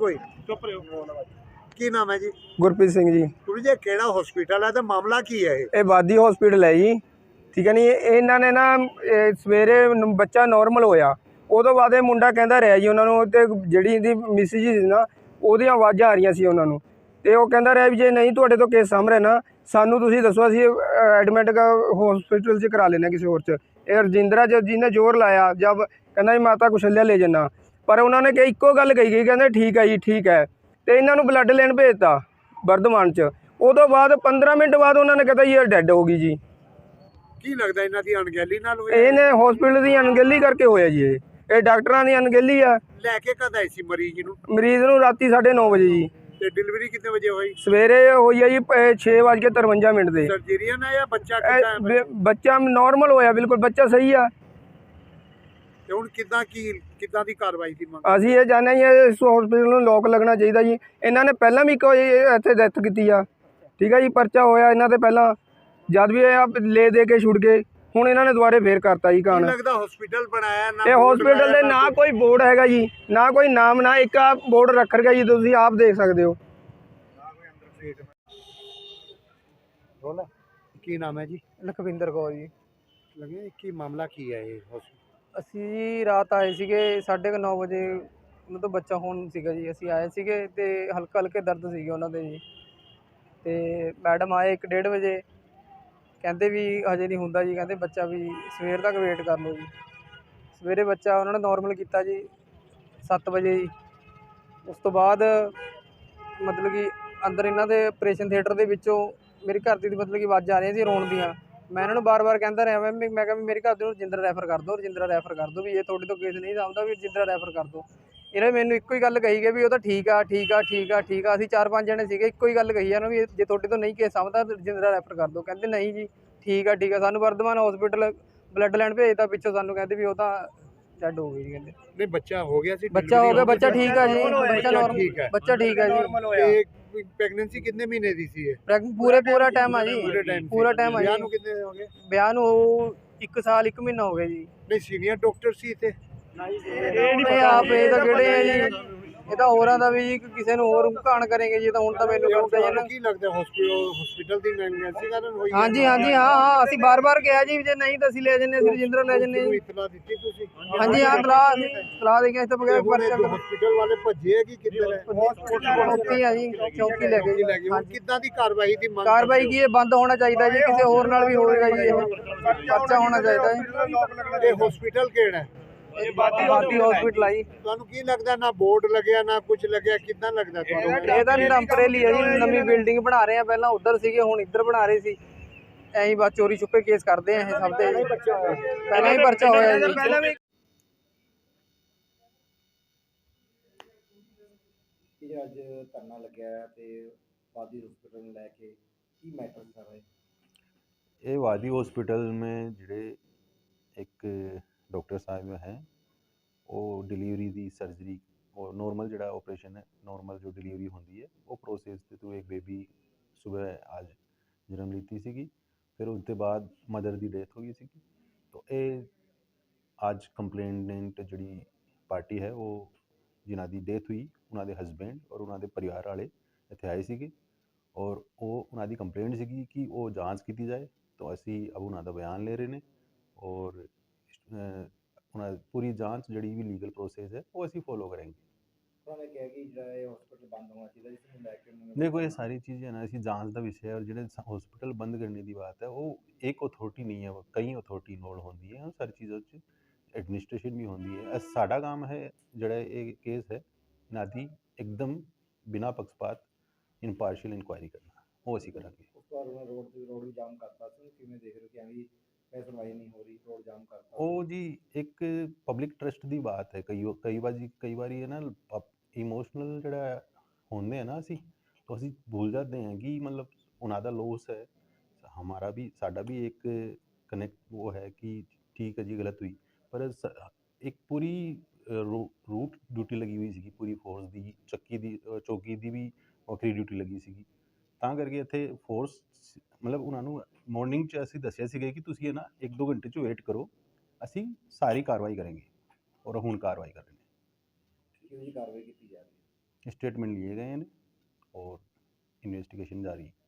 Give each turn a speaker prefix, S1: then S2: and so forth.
S1: कोई चुप रहो। की नाम है जी?
S2: गुरप्रीत सिंह जी।
S1: गुरु जी केड़ा हॉस्पिटल है तो मामला की है?
S2: ये बादी हॉस्पिटल है जी, ठीक है नी। इन्होंने ना सवेरे बच्चा नॉर्मल होया, उदों बाद मुंडा कहता रहा जी उन्होंने, जी इहदी मिसिज सी ना ਉਹਦੀਆਂ ਆਵਾਜ਼ਾਂ ਆ ਰਹੀਆਂ ਸੀ ਉਹਨਾਂ ਨੂੰ, ਤੇ ਉਹ ਕਹਿੰਦਾ ਰਿਹਾ ਵੀ ਜੇ ਨਹੀਂ ਤੁਹਾਡੇ ਤੋਂ ਕੇਸ ਸਾਹਮਣੇ ਨਾ ਸਾਨੂੰ ਤੁਸੀਂ ਦੱਸੋ, ਅਸੀਂ ਐਡਮਿਟ ਹਸਪੀਟਲ 'ਚ ਕਰਾ ਲੈਣਾ ਕਿਸੇ ਹੋਰ 'ਚ। ਇਹ ਰਜਿੰਦਰਾ ਜੀ ਨੇ ਜ਼ੋਰ ਲਾਇਆ ਜਬ ਕਹਿੰਦਾ ਜੀ ਮਾਤਾ ਕੁਸ਼ਲਿਆ ਲੈ ਜਾਣਾ, ਪਰ ਉਹਨਾਂ ਨੇ ਕਿ ਇੱਕੋ ਗੱਲ ਕਹੀ ਗਈ, ਕਹਿੰਦੇ ਠੀਕ ਹੈ ਜੀ ਠੀਕ ਹੈ, ਤੇ ਇਹਨਾਂ ਨੂੰ ਬਲੱਡ ਲੈਣ ਭੇਜਤਾ ਵਰਧਮਾਨ 'ਚ। ਉਦੋਂ ਬਾਅਦ 15 ਮਿੰਟ ਬਾਅਦ ਉਹਨਾਂ ਨੇ ਕਹਿੰਦਾ ਜੀ ਇਹ ਡੈੱਡ ਹੋ ਗਈ ਜੀ।
S1: ਕੀ ਲੱਗਦਾ ਇਹਨਾਂ ਦੀ ਅਣਗਹਿਲੀ ਨਾਲ ਹੋਇਆ?
S2: ਇਹਨੇ ਹਸਪੀਟਲ ਦੀ ਅਣਗਹਿਲੀ ਕਰਕੇ ਹੋਇਆ ਜੀ। ਇਹ ਡਾਕਟਰਾਂ ਦੀ ਅਣਗਹਿਲੀ ਆ।
S1: ਲੈ ਕੇ ਕਦ ਆਏ ਸੀ ਮਰੀਜ਼ ਨੂੰ?
S2: ਮਰੀਜ਼ ਨੂੰ ਰਾਤੀ 9:30 ਵਜੇ ਜੀ।
S1: ਤੇ ਡਿਲੀਵਰੀ ਕਿੰਨੇ ਵਜੇ ਹੋਈ?
S2: ਸਵੇਰੇ ਹੋਈ ਹੈ ਜੀ 6:53 ਦੇ।
S1: ਸਰਜਰੀਅਨ ਹੈ ਜਾਂ ਬੱਚਾ ਕਿੱਦਾਂ ਹੈ?
S2: ਬੱਚਾ ਨਾਰਮਲ ਹੋਇਆ, ਬਿਲਕੁਲ ਬੱਚਾ ਸਹੀ ਆ।
S1: ਤੇ ਹੁਣ ਕਿੱਦਾਂ ਦੀ ਕਾਰਵਾਈ ਦੀ ਮੰਗ?
S2: ਅਸੀਂ ਇਹ ਚਾਹੁੰਦੇ ਜੀ ਇਸ ਹਸਪੀਟਲ ਨੂੰ ਲੋਕ ਲੱਗਣਾ ਚਾਹੀਦਾ ਜੀ। ਇਹਨਾਂ ਨੇ ਪਹਿਲਾਂ ਵੀ ਕੋਈ ਇੱਥੇ ਡੈਥ ਕੀਤੀ ਆ, ਠੀਕ ਹੈ ਜੀ, ਪਰਚਾ ਹੋਇਆ ਇਹਨਾਂ ਤੇ ਪਹਿਲਾਂ, ਜਦ ਵੀ ਇਹ ਲੈ ਦੇ ਕੇ ਛੁੱਟ ਗਏ, ਹੁਣ ਇਹਨਾਂ ਨੇ ਦੁਬਾਰੇ ਫੇਰ ਕਰਤਾ ਜੀ ਕਾਂਡ।
S1: ਲੱਗਦਾ ਹਸਪੀਟਲ ਬਣਾਇਆ ਨਾ,
S2: ਇਹ ਹਸਪੀਟਲ ਦੇ ਨਾ ਕੋਈ ਬੋਰਡ ਹੈਗਾ ਜੀ, ਨਾ ਕੋਈ ਨਾਮ, ਨਾ ਇੱਕ ਆ ਬੋਰਡ ਰੱਖ ਰਿਹਾ ਜੀ, ਤੁਸੀਂ ਆਪ ਦੇਖ ਸਕਦੇ ਹੋ।
S1: ਕੀ ਨਾਮ ਹੈ ਜੀ?
S2: ਲਖਵਿੰਦਰ ਕੌਰ ਜੀ।
S1: ਲੱਗੇ ਕੀ ਮਾਮਲਾ ਕੀ ਹੈ ਇਹ?
S2: ਅਸੀਂ ਜੀ ਰਾਤ ਆਏ ਸੀਗੇ 9:30 ਵਜੇ, ਮਤਲਬ ਬੱਚਾ ਹੋਣ ਸੀਗਾ ਜੀ। ਅਸੀਂ ਆਏ ਸੀਗੇ ਤੇ ਹਲਕੇ ਦਰਦ ਸੀਗੇ ਉਹਨਾਂ ਦੇ ਜੀ, ਤੇ ਮੈਡਮ ਆਏ 1:30 ਵਜੇ, ਕਹਿੰਦੇ ਵੀ ਹਜੇ ਨਹੀਂ ਹੁੰਦਾ ਜੀ, ਕਹਿੰਦੇ ਬੱਚਾ ਵੀ ਸਵੇਰ ਤੱਕ ਵੇਟ ਕਰ ਲਓ ਜੀ। ਸਵੇਰੇ ਬੱਚਾ ਉਹਨਾਂ ਨੇ ਨੋਰਮਲ ਕੀਤਾ ਜੀ 7 ਵਜੇ ਜੀ। ਉਸ ਤੋਂ ਬਾਅਦ ਮਤਲਬ ਕਿ ਅੰਦਰ ਇਹਨਾਂ ਦੇ ਆਪਰੇਸ਼ਨ ਥੀਏਟਰ ਦੇ ਵਿੱਚੋਂ ਮੇਰੀ ਘਰ ਦੀ ਮਤਲਬ ਕਿ ਆਵਾਜ਼ਾਂ ਆ ਰਹੀਆਂ ਸੀ ਰੋਣ ਦੀਆਂ। ਮੈਂ ਇਹਨਾਂ ਨੂੰ ਬਾਰ-ਬਾਰ ਕਹਿੰਦਾ ਰਿਹਾ, ਮੈਂ ਕਿਹਾ ਵੀ ਮੇਰੇ ਘਰ ਦੇ ਨੂੰ ਰਜਿੰਦਰਾ ਰੈਫਰ ਕਰ ਦਿਓ, ਰਜਿੰਦਰਾ ਰੈਫਰ ਕਰ ਦਿਓ, ਵੀ ਇਹ ਤੁਹਾਡੇ ਤੋਂ ਕੇਸ ਨਹੀਂ ਸਾਂਭਦਾ, ਵੀ ਰਜਿੰਦਰਾ ਰੈਫਰ ਕਰ ਦਿਓ। ਇਹਨਾਂ ਨੇ ਮੈਨੂੰ ਇੱਕੋ ਹੀ ਗੱਲ ਕਹੀ ਗਈ ਵੀ ਉਹ ਤਾਂ ਠੀਕ ਆ ਠੀਕ ਆ ਠੀਕ ਆ ਠੀਕ ਆ। ਅਸੀਂ 4-5 ਜਣੇ ਸੀਗੇ, ਇੱਕੋ ਹੀ ਗੱਲ ਕਹੀ ਇਹਨਾਂ ਵੀ ਜੇ ਤੁਹਾਡੇ ਤੋਂ ਨਹੀਂ ਕੇਸ ਸਾਂਭਦਾ ਰਜਿੰਦਰਾ ਰੈਫਰ ਕਰ ਦਿਓ। ਕਹਿੰਦੇ ਨਹੀਂ ਜੀ ਠੀਕ ਆ ਠੀਕ ਆ। ਸਾਨੂੰ ਵਰਧਮਾਨ ਹਸਪੀਟਲ ਬਲੱਡ ਲੈਣ ਭੇਜਤਾ, ਪਿੱਛੋਂ ਸਾਨੂੰ ਕਹਿੰਦੇ ਵੀ ਉਹ ਤਾਂ ਡੈਡ ਹੋ ਗਈ ਜੀ। ਕਹਿੰਦੇ
S1: ਨਹੀਂ ਬੱਚਾ ਹੋ ਗਿਆ ਸੀ?
S2: ਬੱਚਾ ਹੋ ਗਿਆ, ਬੱਚਾ ਠੀਕ ਆ ਜੀ, ਬੱਚਾ ਨਾਰਮਲ, ਬੱਚਾ ਠੀਕ ਆ ਜੀ।
S1: ਪ੍ਰੈਗਨੈਂਸੀ ਕਿੰਨੇ ਮਹੀਨੇ ਦੀ ਸੀ ਇਹ?
S2: ਪੂਰਾ ਟਾਈਮ ਆ ਜੀ, ਪੂਰਾ ਟਾਈਮ ਆ ਜੀ।
S1: ਵਿਆਹ ਨੂੰ ਕਿੰਨੇ ਹੋ ਗਏ?
S2: ਵਿਆਹ ਨੂੰ 1 ਸਾਲ 1 ਮਹੀਨਾ ਹੋ ਗਿਆ ਜੀ।
S1: ਨਹੀਂ ਸੀਨੀਅਰ ਡਾਕਟਰ ਸੀ ਇੱਥੇ?
S2: ਨਹੀਂ ਆਪ ਇਹ ਤਾਂ ਕਿਹੜੇ ਆ ਜੀ, ਇਹ ਤਾਂ ਹੋਰਾਂ ਦਾ ਵੀ ਜੀ, ਕਿਸੇ ਨੂੰ ਹੋਰ ਘਾਣ ਕਰੇਗੇ ਜੀ। ਤਾਂ ਹੁਣ ਤਾਂ ਮੈਨੂੰ ਪਤਾ ਜੀ ਨਾ।
S1: ਕੀ ਲੱਗਦਾ ਹਸਪੀਟਲ ਦੀ ਨੈਗਲੀਜੈਂਸੀ ਕਾਰਨ ਹੋਈ?
S2: ਹਾਂਜੀ ਹਾਂ ਅਸੀਂ ਬਾਰ-ਬਾਰ ਕਿਹਾ ਜੀ, ਜੇ ਨਹੀਂ ਤਾਂ ਅਸੀਂ ਲੈ ਜੰਨੇ, ਅਸੀਂ ਰਜਿੰਦਰਾ ਲੈ ਜੰਨੇ ਜੀ।
S1: ਇਤਲਾ ਦਿੱਤੀ ਤੁਸੀਂ?
S2: ਹਾਂਜੀ ਹਾਂ ਸਲਾਹ ਦੇ ਕੇ ਇਸ ਤੋਂ ਬਗੈਰ ਪਰਚਾ
S1: ਹਸਪੀਟਲ ਵਾਲੇ ਭੱਜੇ ਹੈ ਕਿ ਕਿੱਧਰ ਹੈ?
S2: ਚੌਕੀ ਆ ਜੀ, ਚੌਕੀ ਲੈ ਗਏ ਜੀ।
S1: ਕਿੱਦਾਂ ਦੀ ਕਾਰਵਾਈ ਦੀ ਮੰਗ?
S2: ਕਾਰਵਾਈ ਕੀ ਇਹ ਬੰਦ ਹੋਣਾ ਚਾਹੀਦਾ ਜੀ, ਕਿਸੇ ਹੋਰ ਨਾਲ ਵੀ ਹੋਵੇਗਾ ਜੀ, ਇਹ ਪਰਚਾ ਹੋਣਾ ਚਾਹੀਦਾ ਜੀ।
S1: ਇਹ ਹਸਪੀਟਲ ਕਿਹੜਾ ਹੈ?
S2: ਬਾਦੀ ਹਸਪੀਟਲ ਆਈ।
S1: ਤੁਹਾਨੂੰ ਕੀ ਲੱਗਦਾ ਨਾ ਬੋਰਡ ਲੱਗਿਆ ਨਾ ਕੁਝ ਲੱਗਿਆ, ਕਿੱਦਾਂ ਲੱਗਦਾ ਤੁਹਾਨੂੰ?
S2: ਇਹ ਤਾਂ ਟੈਂਪਰੇਰੀ ਹੈ ਜੀ, ਨਵੀਂ ਬਿਲਡਿੰਗ ਬਣਾ ਰਹੇ ਆ, ਪਹਿਲਾਂ ਉੱਧਰ ਸੀਗੇ ਹੁਣ ਇੱਧਰ ਬਣਾ ਰਹੇ ਸੀ। ਐਂ ਹੀ ਬਸ ਚੋਰੀ ਛੁਪੇ ਕੇਸ ਕਰਦੇ ਆ ਇਹ ਸਭ ਤੇ, ਪਹਿਲਾਂ ਹੀ ਪਰਚਾ ਹੋਇਆ ਜੀ।
S1: ਅੱਜ ਧਰਨਾ ਲੱਗਿਆ ਤੇ वादी हॉस्पिटल में लैके की मैटर कर रहे?
S3: ये वादी हॉस्पिटल में जिहड़े एक डॉक्टर साहब हैं वो डिलीवरी दी सर्जरी और नॉर्मल जिहड़ा ऑपरेशन है, नॉर्मल जो डिलीवरी होंदी है वो प्रोसेस के थ्रू एक बेबी सुबह आज जन्म लीती सी, फिर उसके बाद मदर की डेथ हो गई सी। तो ये आज कंप्लेनेंट जिहड़ी पार्टी है वो जिन्हां दी डेथ हुई उन्होंने हसबैंड और उन्होंने परिवार वाले इत्थे आए सी और वो उन्होंने कंप्लेंट सी कि वो जांच की जाए। तो असी अब उन्होंने बयान ले रहे हैं और पूरी जांच जी भी लीगल प्रोसेस है वो असी फॉलो करेंगे। देखो ये सारी चीज़ें ना असी जांच का विषय है और जो हॉस्पिटल बंद करने की बात है वो एक अथॉरिटी नहीं है, कई अथॉरिटी इन्वॉल्व होती है, सारी चीज़ों एडमिनिस्ट्रेशन भी होती है। साडा काम है जोड़ा ये केस है ना दी एकदम बिना पक्षपात इनपार्शियल इंक्वायरी करना, वो असी करांगे।
S1: रोड जाम करता किवें देख रहे हो कि सुनवाई नहीं हो रही, रोड जाम करता?
S3: वो जी एक पब्लिक ट्रस्ट की बात है, कई बार ये ना इमोशनल जड़ा होंगे है ना असी, तो असी भूल जाते हैं कि मतलब उन्होंने लॉस है, हमारा भी साडा भी एक कनेक्ट वो है कि ठीक है जी गलत हुई, पर एक पूरी रूट ड्यूटी लगी हुई सी पूरी फोर्स की, चौकी की भी वक्री ड्यूटी लगी सी, ਤਾਂ ਕਰਕੇ ਇੱਥੇ फोर्स मतलब उन्होंने मॉर्निंग 'ਚ ਅਸੀਂ ਦੱਸਿਆ ਸੀਗਾ कि ਤੁਸੀਂ है ना 1-2 घंटे 'ਚ वेट करो, ਅਸੀਂ ਸਾਰੀ ਕਾਰਵਾਈ ਕਰਾਂਗੇ और ਹੁਣ ਕਾਰਵਾਈ ਕਰ ਰਹੇ ਨੇ।
S1: ਕਿਹੜੀ ਕਾਰਵਾਈ ਕੀਤੀ ਜਾ ਰਹੀ ਹੈ?
S3: स्टेटमेंट लिए गए हैं और इन्वेस्टिगेशन जारी है।